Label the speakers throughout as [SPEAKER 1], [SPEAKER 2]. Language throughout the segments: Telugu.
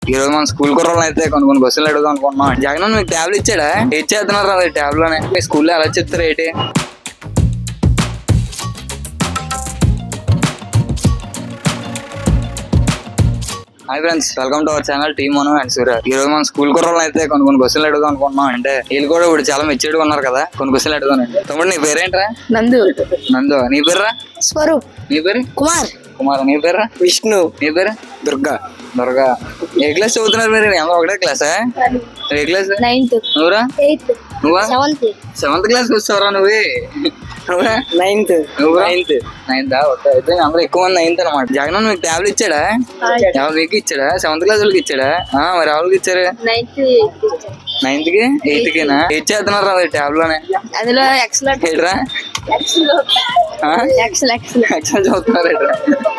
[SPEAKER 1] ఈ రోజు మన స్కూల్ కుర్రోళ్ళని అయితే కొన్ని క్వశ్చన్లు అడుగుదాం అనుకుంటున్నాం. జగన్ మీకు ట్యాబ్లు ఇచ్చాడా? ఇచ్చేస్తున్నారు అది ట్యాబ్ లోనే. మీ స్కూల్లో ఎలా చెప్తారు ఏంటి? Hi friends, welcome to our channel team Manu and Surya. ఈ రోజు మన స్కూల్ కుర్రోళ్ళని అయితే కొన్ని క్వశ్చన్లు అడుగుదాం అనుకుంటున్నాం. అంటే వీళ్ళు కూడా ఇప్పుడు చాలా మెచ్యూర్డ్గా ఉన్నారు కదా, కొన్ని క్వశ్చన్లు అడుగుదానండి. తమ్ముడు నీ పేరేంట్రా?
[SPEAKER 2] నందు.
[SPEAKER 1] నందు. నీ పేర్రా?
[SPEAKER 2] స్వరూప్.
[SPEAKER 1] నీ పేరు?
[SPEAKER 2] కుమార్.
[SPEAKER 1] కుమార్. నీ పేర్రా?
[SPEAKER 2] విష్ణు.
[SPEAKER 1] నీ పేరు?
[SPEAKER 2] దుర్గా.
[SPEAKER 1] దుర్గా. ఏ క్లాస్ చదువుతున్నారు మీరు? అందరూ ఒకటే క్లాసా? ఏ క్లాస్?
[SPEAKER 2] 9th.
[SPEAKER 1] నువ్వురా?
[SPEAKER 2] 8th.
[SPEAKER 1] నువ్వా?
[SPEAKER 2] 7th.
[SPEAKER 1] 7th క్లాస్కి వచ్చావరా నువ్వే? నువ్వా?
[SPEAKER 2] 9th.
[SPEAKER 1] నువ్వురా? 9th. ఓకే, అయితే అందరూ ఎక్కువ మంది 9th అనమాట. జగన్ మీకు ట్యాబ్లు ఇచ్చాడా? ఎవరు మీకు ఇచ్చాడా? 7th క్లాస్ వాళ్ళకి ఇచ్చాడా? మరి ఎవరికి ఇచ్చారు? 9th కి 8th కినా ఇచ్చేస్తున్నారు అది ట్యాబ్ లోనే.
[SPEAKER 2] అందులో ఎక్సలెంట్.
[SPEAKER 1] ఏంట్రా? ఎక్సెల్ చదువుతున్నారు ఏంట్రా?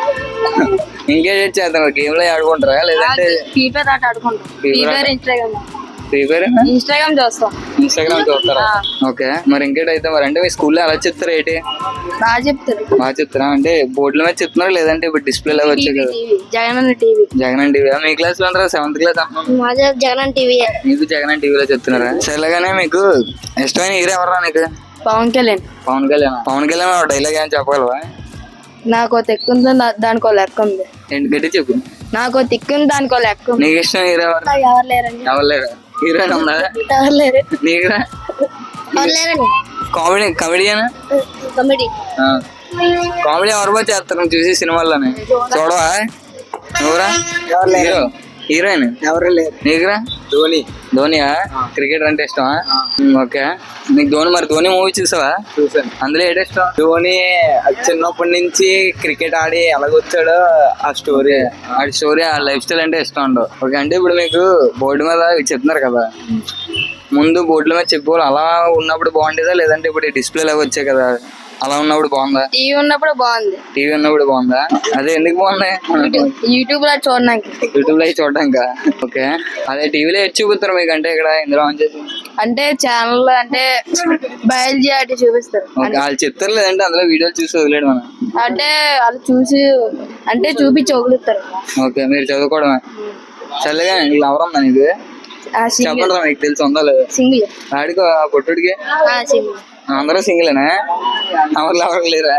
[SPEAKER 1] ఇంకేం చేస్తున్నారు? గేమ్ లో ఆడుకుంటారా లేదంటే
[SPEAKER 2] ఫ్రీ ఫైర్ ఆట ఆడుకుంటాం. ఫ్రీ ఫైర్ ఇన్స్టాగ్రామ్ చూస్తాం.
[SPEAKER 1] ఇన్స్టాగ్రామ్ చూస్తారా? ఓకే, మరి ఇంకేటైతే మరి అంటే మీ స్కూల్లో ఎలా చెప్తారు ఏంటి?
[SPEAKER 2] బాగా చెప్తారు.
[SPEAKER 1] బాగా చెప్తారా? అంటే బోర్డుల మీద చెప్తున్నారు లేదంటే ఇప్పుడు డిస్ప్లే లాగా వచ్చాయి కదా?
[SPEAKER 2] జగన్ టీవీ.
[SPEAKER 1] జగన్ టీవీ. మీ క్లాస్ లో అంటారా? 7th క్లాస్ అంటున్నాను.
[SPEAKER 2] జగన్ టీవీ.
[SPEAKER 1] మీకు జగన్ టీవీలో చెప్తున్నారా? సరేగానే మీకు ఇష్టమైన హీరో ఎవరా నీకు?
[SPEAKER 2] పవన్ కళ్యాణ్.
[SPEAKER 1] పవన్ కళ్యాణ్. పవన్ కళ్యాణ్ డైలాగ్ ఏం చెప్పగలవా?
[SPEAKER 2] నాకు తిక్కు ఉంది, దానికో లెక్క ఉంది.
[SPEAKER 1] ఏంటి గట్టి చెప్పు.
[SPEAKER 2] నాకు తిక్కు ఉంది, దానికో లెక్క ఉంది.
[SPEAKER 1] నీకు ఇష్టం హీరో ఎవరు?
[SPEAKER 2] ఎవరు లేరండి.
[SPEAKER 1] ఎవరు లేరా? హీరోయిన్ ఉందా?
[SPEAKER 2] ఎవరు లేరు.
[SPEAKER 1] నీకురా?
[SPEAKER 2] ఎవరు లేరండి.
[SPEAKER 1] కామెడీనా?
[SPEAKER 2] కామెడీ.
[SPEAKER 1] కామెడీ ఎవరు బాగా చేస్తారు నువ్వు చూసి సినిమాల్లోనే? చూడవా? నువ్వురా? హీరో హీరోయిన్
[SPEAKER 2] ఎవరు లేరు.
[SPEAKER 1] నీకురా?
[SPEAKER 2] ధోని.
[SPEAKER 1] ధోనియా? క్రికెట్ అంటే ఇష్టమా? ఓకే, నీకు ధోని. మరి ధోని మూవీ చూసావా?
[SPEAKER 2] చూసాను.
[SPEAKER 1] అందులో ఏంటి ఇష్టం?
[SPEAKER 2] ధోని చిన్నప్పటి నుంచి క్రికెట్ ఆడి ఎలాగొచ్చాడో ఆ స్టోరీ.
[SPEAKER 1] ఆ లైఫ్ స్టైల్ అంటే ఇష్టం ఉండవు. ఓకే, అంటే ఇప్పుడు మీకు బోర్డు మీద ఇవి చెప్తున్నారు కదా, ముందు బోర్డుల మీద చెప్పుకోవాలి అలా ఉన్నప్పుడు బాగుండేదా లేదంటే ఇప్పుడు డిస్ప్లే లాగా వచ్చాయి కదా అలా ఉన్నప్పుడు బాగుందా?
[SPEAKER 2] టీవీ ఉన్నప్పుడు బాగుంది.
[SPEAKER 1] టీవీ ఉన్నప్పుడు బాగుందా? అదే ఎందుకు బాగుంది?
[SPEAKER 2] యూట్యూబ్ లో చూడడానికి.
[SPEAKER 1] యూట్యూబ్ లో చూడడానికా? ఓకే, అదే టీవీలో ఎటు చూపిస్తారు మీకు? అంటే ఇక్కడ ఇందులో ఆన్ చేసి
[SPEAKER 2] అంటే ఛానల్ అంటే బయాలజీ అటు చూపిస్తారు.
[SPEAKER 1] వాళ్ళు చెప్తారు లేదంటే అందులో వీడియోలు చూసి వదిలేడు మనం?
[SPEAKER 2] అంటే వాళ్ళు చూసి అంటే చూపించి వదులుతారు.
[SPEAKER 1] ఓకే, మీరు చదువుకోవడమే. చల్లగా లవర్ ఉందా నీకు? చెప్పండి, మీకు తెలిసి ఉందా లేదా?
[SPEAKER 2] సింగిల్.
[SPEAKER 1] ఆడికో ఆ పొట్టుడికి
[SPEAKER 2] సింగిల్.
[SPEAKER 1] అందరూ సింగిలేనా? ఎవరు లేరా?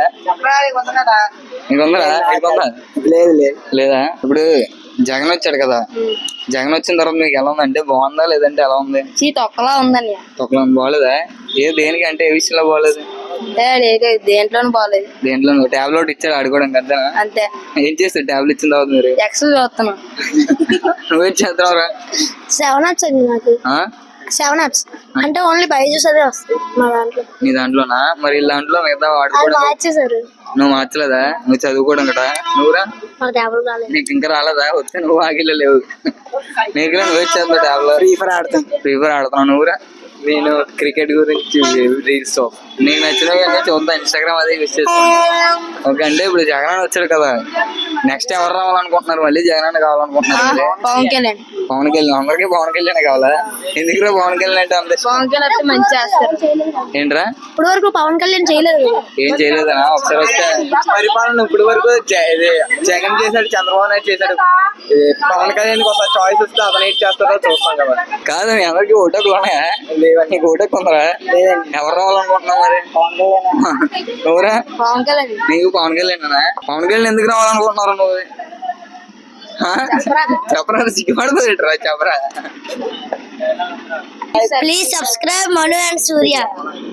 [SPEAKER 1] నీకుందరా? నీకుందా?
[SPEAKER 2] లేదు లేదు.
[SPEAKER 1] లేదా? ఇప్పుడు జగన్ వచ్చాడు కదా, జగన్ వచ్చిన తర్వాత మీకు ఎలా ఉందంటే బాగుందా లేదంటే ఎలా ఉంది?
[SPEAKER 2] తొక్కలా ఉందండి.
[SPEAKER 1] తొక్కలో బాగోలేదా? దేనికి అంటే ఏ విషయంలో బాగోలేదు?
[SPEAKER 2] దేంట్లోనూ బాగలేదు.
[SPEAKER 1] దేంట్లో? టాబ్లెట్ ఇచ్చాడు ఆడుకోవడానికి అంతేనా?
[SPEAKER 2] అంతే.
[SPEAKER 1] ఏం చేస్తాడు టాబ్లెట్ ఇచ్చిన తర్వాత మీరు?
[SPEAKER 2] ఎక్సెల్ చూస్తున్నాం.
[SPEAKER 1] నువ్వేం చేస్తావురా?
[SPEAKER 2] 7 apps అండి నాకు. 7 apps అంటే ఓన్లీ బైజూస్ అదే వస్తుంది మా దాంట్లో.
[SPEAKER 1] నీ దాంట్లోనా? మరి దాంట్లో మిగతా వాడుకోవడం
[SPEAKER 2] మార్చేసారు.
[SPEAKER 1] నువ్వు మార్చలేదా? నువ్వు చదువుకోవడం కదా. నువ్వురా? నీకు ఇంకా రాలేదా? వస్తే నువ్వు ఆగిలేవు. నీకు నువ్వే చేస్తావు టాబ్లెట్. ఫ్రీ ఫైర్ ఆడుతున్నావు. నువ్వురా?
[SPEAKER 2] నేను క్రికెట్ గురించి రీల్స్.
[SPEAKER 1] నీకు నచ్చినవి అన్నీ చూద్దాం, ఇన్స్టాగ్రామ్ అదే యూస్ చేస్తాను. ఓకే, అంటే ఇప్పుడు జగన్ వచ్చాడు కదా, నెక్స్ట్ ఎవరు రావాలనుకుంటున్నారు? మళ్ళీ జగన్ కావాలనుకుంటున్నారు?
[SPEAKER 2] పవన్ కళ్యాణ్.
[SPEAKER 1] పవన్ కళ్యాణ్. అందరికీ పవన్ కళ్యాణ్ కావాలా? ఎందుకు పవన్ కళ్యాణ్ అంటే అంత ఇష్టం?
[SPEAKER 2] పవన్ కళ్యాణ్ మంచి చేస్తారు.
[SPEAKER 1] ఏంట్రా?
[SPEAKER 2] ఇప్పుడు వరకు పవన్ కళ్యాణ్ చేయలేదు.
[SPEAKER 1] ఏం చేయలేదా? ఒకసారి వస్తే
[SPEAKER 2] పరిపాలన ఇప్పుడు వరకు జగన్ చేశాడు, చంద్రబాబు నాయుడు చేశాడు. పవన్ కళ్యాణ్ ఒక చాయిస్ వస్తే అతను ఏం చేస్తారో చూస్తాం కదా.
[SPEAKER 1] కాదు, మీ అందరికి ఓటకులు ఉన్నాయా? నీకు ఓటకు ఉందరా? ఎవరు రావాలనుకుంటున్నావు మరి? నువ్వురా?
[SPEAKER 2] పవన్ కళ్యాణ్.
[SPEAKER 1] నీకు పవన్ కళ్యాణ్. పవన్ కళ్యాణ్ ఎందుకు రావాలనుకుంటున్నారు నువ్వు? చెప్పరా? సిగ్గుపడుతుంది ఏంట్రా? చెప్పరా?
[SPEAKER 2] Please subscribe Manu and Surya.